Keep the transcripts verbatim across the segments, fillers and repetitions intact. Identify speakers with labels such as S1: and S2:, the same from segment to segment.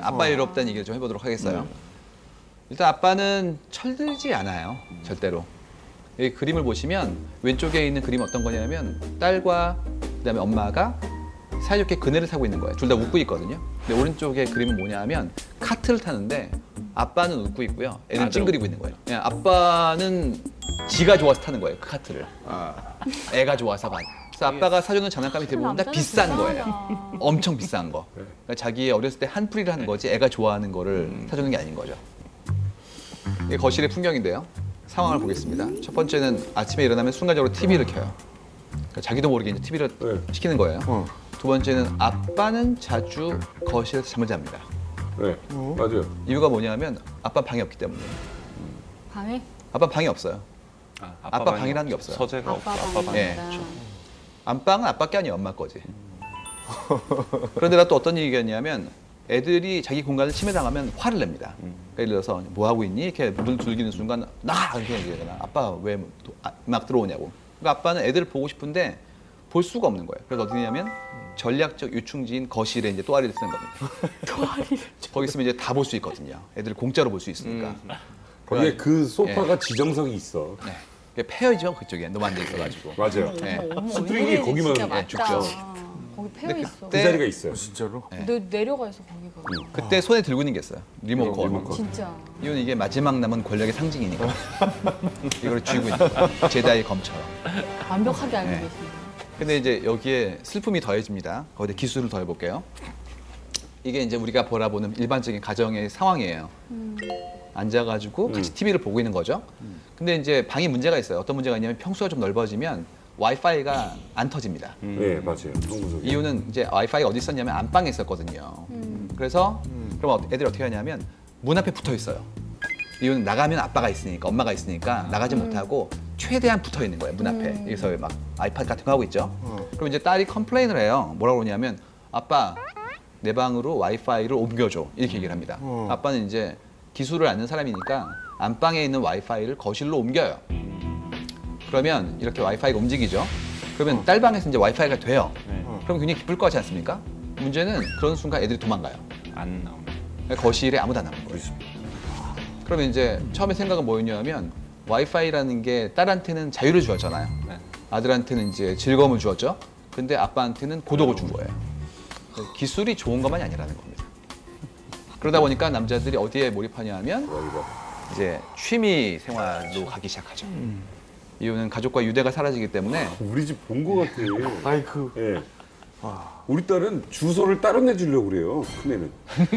S1: 아빠 외롭다는 얘기를 좀 해보도록 하겠어요. 일단 아빠는 철들지 않아요. 절대로. 이 그림을 보시면 왼쪽에 있는 그림은 어떤 거냐면 딸과 그다음에 엄마가 사이좋게 그네를 타고 있는 거예요. 둘 다 웃고 있거든요. 근데 오른쪽에 그림은 뭐냐 하면 카트를 타는데 아빠는 웃고 있고요. 애는 찡그리고 있는 거예요. 그냥 아빠는 지가 좋아서 타는 거예요. 그 카트를. 애가 좋아서가. 그래서 아빠가 사주는 장난감이 대부분 다 비싼 거예요. 엄청 비싼 거. 그러니까 자기 어렸을 때 한풀이를 하는 거지 애가 좋아하는 거를 사주는 게 아닌 거죠. 이게 거실의 풍경인데요. 상황을 보겠습니다. 첫 번째는 아침에 일어나면 순간적으로 티비를 켜요. 그러니까 자기도 모르게 이제 티비를
S2: 네.
S1: 시키는 거예요.
S2: 어.
S1: 두 번째는 아빠는 자주 거실에서 잠을 잡니다.
S2: 네, 맞아요.
S1: 이유가 뭐냐면 아빠 방이 없기 때문에.
S3: 방에?
S1: 아빠 방이 없어요.
S4: 아,
S1: 아빠
S4: 방이
S1: 방이라는 게 없어요.
S4: 서재가 없고
S3: 아빠
S4: 아빠 방이
S1: 예.
S3: 방이다.
S1: 안방은 아빠 게 아니에요. 엄마 거지. 그런데가 또 어떤 얘기였냐면 애들이 자기 공간을 침해당하면 화를 냅니다. 그러니까 예를 들어서 뭐 하고 있니? 이렇게 문을 두드리는 순간 나가! 이렇게 얘기하잖아. 아빠 왜 막 들어오냐고. 그러니까 아빠는 애들을 보고 싶은데 볼 수가 없는 거예요. 그래서 어디냐면 전략적 유충지인 거실에 이제 또아리를 쓰는 겁니다.
S3: 또아리를.
S1: 거기 있으면 이제 다 볼 수 있거든요. 애들 공짜로 볼 수 있으니까.
S2: 거기에 그 소파가 지정석이 있어.
S1: 네. 그게 페어죠 그쪽에 너무 앉아 있어가지고.
S2: 맞아요.
S1: 네.
S2: 스프링이 거기만
S3: 진짜
S2: 예,
S3: 맞다.
S1: 죽죠.
S3: 거기 패여
S1: 근데
S3: 있어.
S2: 그
S1: 그때-
S2: 자리가 있어요.
S5: 진짜로?
S1: 네.
S3: 내, 내려가 있어 거기가.
S1: 그때 손에 들고 있는 게 있어요. 리모컨.
S2: 리모컨.
S3: 진짜.
S1: 이건 이게 마지막 남은 권력의 상징이니까. 이걸 쥐고 있는 거예요. 제다이 검처럼.
S3: 완벽하게 알고
S1: 네.
S3: 계십니다.
S1: 근데 이제 여기에 슬픔이 더해집니다. 거기에 기술을 더해볼게요. 이게 이제 우리가 바라보는 일반적인 가정의 상황이에요. 앉아가지고 같이 티비를 보고 있는 거죠. 근데 이제 방에 문제가 있어요. 어떤 문제가 있냐면 평수가 좀 넓어지면 와이파이가 안 터집니다.
S2: 네, 맞아요. 한구석에.
S1: 이유는 이제 와이파이가 어디 있었냐면 안방에 있었거든요. 그래서 그럼 애들이 어떻게 하냐면 문 앞에 붙어 있어요. 이유는 나가면 아빠가 있으니까 엄마가 있으니까 나가지 못하고 최대한 붙어 있는 거예요 문 앞에. 여기서 막 아이팟 같은 거 하고 있죠. 그럼 이제 딸이 컴플레인을 해요. 뭐라고 그러냐면 아빠 내 방으로 와이파이를 옮겨줘 이렇게 얘기를 합니다. 아빠는 이제 기술을 아는 사람이니까 안방에 있는 와이파이를 거실로 옮겨요. 그러면 이렇게 와이파이가 움직이죠. 그러면 딸 방에서 이제 와이파이가 돼요.
S4: 네.
S1: 그럼 굉장히 기쁠 것 같지 않습니까? 문제는 그런 순간 애들이 도망가요.
S4: 안 나옵니다.
S1: 거실에 아무도 안 남은 거예요. 그러면 이제 처음에 생각은 뭐였냐면 와이파이라는 게 딸한테는 자유를 주었잖아요.
S4: 네.
S1: 아들한테는 이제 즐거움을 주었죠. 근데 아빠한테는 고독을 준 거예요. 기술이 좋은 것만이 아니라는 겁니다. 그러다 보니까 남자들이 어디에 몰입하냐 하면 이제 취미 생활로 가기 시작하죠. 이유는 가족과 유대가 사라지기 때문에
S2: 우리 집 본 거 같아.
S5: 아이쿠.
S2: 예. 우리 딸은 주소를 따로 내주려고 그래요. 큰애는.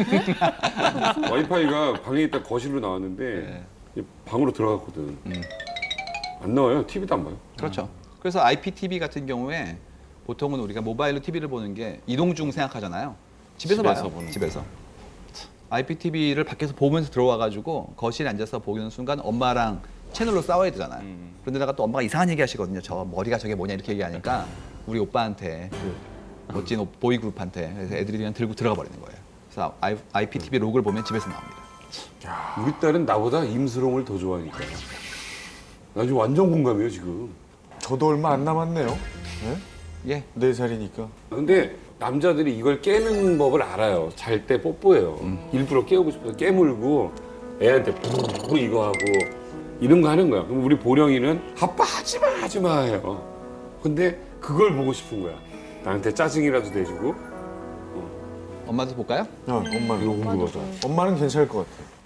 S2: 와이파이가 방에 있다 거실로 나왔는데 방으로 들어갔거든. 안 나와요. 티비도 안 봐요.
S1: 그렇죠. 그래서 아이피티비 같은 경우에 보통은 우리가 모바일로 티비를 보는 게 이동 중 생각하잖아요. 집에서,
S4: 집에서
S1: 봐요.
S4: 보는
S1: 집에서. 아이피티비를 밖에서 보면서 들어와가지고 거실에 앉아서 보는 순간 엄마랑 채널로 싸워야 되잖아요.
S4: 음.
S1: 그런데다가 또 엄마가 이상한 얘기 하시거든요. 저 머리가 저게 뭐냐 이렇게 얘기하니까 우리 오빠한테 그 멋진 오- 보이그룹한테 그래서 애들이 그냥 들고 들어가 버리는 거예요. 그래서 아이, 아이피티비 로그를 보면 집에서 나옵니다.
S2: 우리 딸은 나보다 임수롱을 더 좋아하니까. 나 지금 완전 공감해요, 지금.
S5: 저도 얼마 안 남았네요. 네?
S1: 예.
S5: 네 살이니까.
S2: 근데 남자들이 이걸 깨는 법을 알아요. 잘 때 뽀뽀해요. 일부러 깨우고 싶어서 깨물고 애한테 부르르 이거 하고 이런 거 하는 거야. 그럼 우리 보령이는 아빠 하지 마, 하지 마 해요. 근데 그걸 보고 싶은 거야. 나한테 짜증이라도 내주고.
S1: 엄마도 볼까요?
S5: 어, 엄마는.
S2: 이거 궁금하다.
S5: 엄마는 괜찮을 것 같아요.